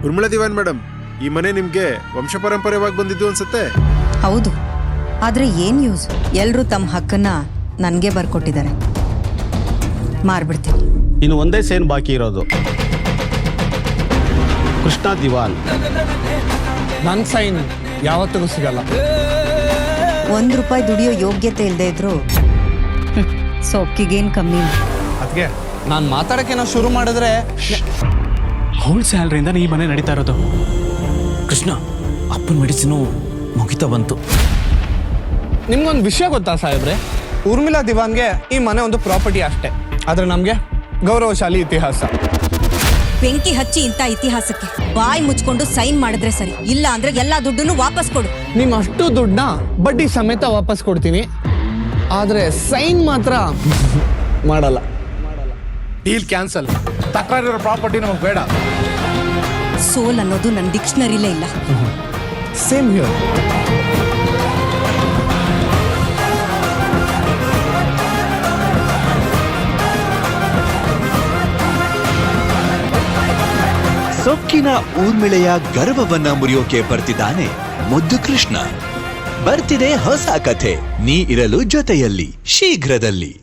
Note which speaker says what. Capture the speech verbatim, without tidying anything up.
Speaker 1: ಉರ್ಮಿಳಾ ದಿವಾನ್ madam, ಈ ಮನೆ ನಿಮ್ಗೆ ವಂಶ ಪರಂಪರೆವಾಗಿ ಬಂದಿದ್ದು ಅನ್ಸುತ್ತೆ.
Speaker 2: ಹೌದು, ಆದ್ರೆ ಏನ್ ಯೂಸ್? ಎಲ್ರೂ ತಮ್ಮ ಹಕ್ಕನ್ನ ನನ್ಗೆ ಬರ್ಕೊಟ್ಟಿದ್ದಾರೆ. ಮಾರ್ಬಿಡ್ತೀನಿ.
Speaker 3: ಇನ್ನು ಒಂದೇ ಸೇನ್ ಬಾಕಿ ಇರೋದು, ಕೃಷ್ಣ ದಿವಾನ್.
Speaker 4: ನನ್ನ ಸೈನ್ ಯಾವತ್ತಿಗೂ ಸಿಗಲ್ಲ.
Speaker 2: ಒಂದ್ ರೂಪಾಯಿ ದುಡಿಯೋ ಯೋಗ್ಯತೆ ಇಲ್ಲದೆ ಇದ್ರು ಸೊಕ್ಕಿಗೇನ್ ಕಮ್ಮಿ.
Speaker 4: ಅದಕ್ಕೆ ನಾನು ಮಾತಾಡೋಕ್ಕೇನೋ ಶುರು ಮಾಡಿದ್ರೆ
Speaker 5: ಅವಳ ಸ್ಯಾಲ್ರಿಯಿಂದ ಈ ಮನೆ ನಡೀತಾ ಇರೋದು. ಕೃಷ್ಣ, ಅಪ್ಪನ ಮೆಡಿಸಿನು ಮುಗಿತಾ ಬಂತು.
Speaker 4: ನಿಮ್ಗೊಂದು ವಿಷಯ ಗೊತ್ತಾ ಸಾಹೇಬ್ರೆ? ಉರ್ಮಿಳಾ ದಿವಾನ್ಗೆ ಈ ಮನೆ ಒಂದು ಪ್ರಾಪರ್ಟಿ ಅಷ್ಟೇ, ಆದ್ರೆ ನಮಗೆ ಗೌರವಶಾಲಿ ಇತಿಹಾಸ.
Speaker 2: ಬೆಂಕಿ ಹಚ್ಚಿ ಇಂಥ ಇತಿಹಾಸಕ್ಕೆ ಬಾಯಿ ಮುಚ್ಕೊಂಡು ಸೈನ್ ಮಾಡಿದ್ರೆ ಸರಿ, ಇಲ್ಲ ಅಂದ್ರೆ ಎಲ್ಲಾ ದುಡ್ಡನ್ನು ವಾಪಸ್ ಕೊಡು.
Speaker 4: ನಿಮ್ಮ ಅಷ್ಟು ದುಡ್ಡನ್ನ ಬಡ್ಡಿ ಸಮೇತ ವಾಪಸ್ ಕೊಡ್ತೀನಿ, ಆದ್ರೆ ಸೈನ್ ಮಾತ್ರ ಮಾಡಲ್ಲ.
Speaker 6: Deal cancel. ತಕರಾರಿರೋ ಪ್ರಾಪರ್ಟಿ ನಮಗೆ ಬೇಡ.
Speaker 2: ಸೋಲ್ ಅನ್ನೋದು ನನ್ನ ಡಿಕ್ಷನರಿಲೇ ಇಲ್ಲ.
Speaker 4: Same here.
Speaker 7: ಸೊಕ್ಕಿನ ಊರ್ಮಿಳೆಯ ಗರ್ವವನ್ನ ಮುರಿಯೋಕೆ ಬರ್ತಿದ್ದಾನೆ ಮುದ್ದು ಕೃಷ್ಣ. ಬರ್ತಿದೆ ಹೊಸ ಕಥೆ, ನೀ ಇರಲು ಜೊತೆಯಲ್ಲಿ ಶೀಘ್ರದಲ್ಲಿ.